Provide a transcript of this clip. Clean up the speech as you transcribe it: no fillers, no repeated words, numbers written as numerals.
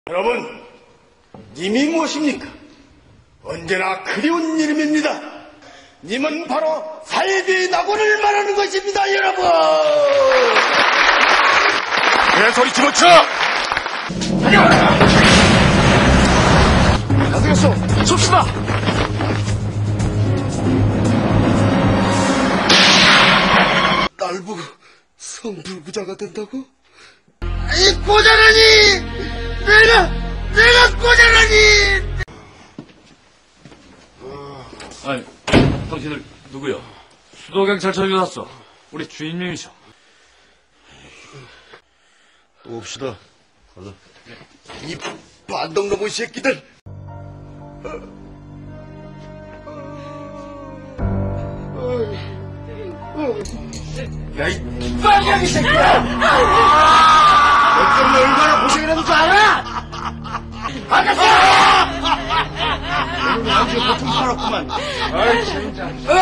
여러분, 님이 무엇입니까? 언제나 그리운 이름입니다. 님은 바로 살비 낙원을 말하는 것입니다, 여러분! 내 소리 집어쳐! 안 되겠어! 섭시다! 날 보고 성불구자가 된다고? 이 꼬자라니! 내가 꼬자라니! 아니, 당신들 누구요? 수도경찰청에 왔어. 우리 주인님이셔. 또 옵시다. 가자. 이 반동놈의 새끼들! 야, 이 빨갱이 새끼야! 너 때문에 얼마나 고생이라는 줄 알아? 아가씨! 너는 완전 고통 팔았구만. 아이, 진짜.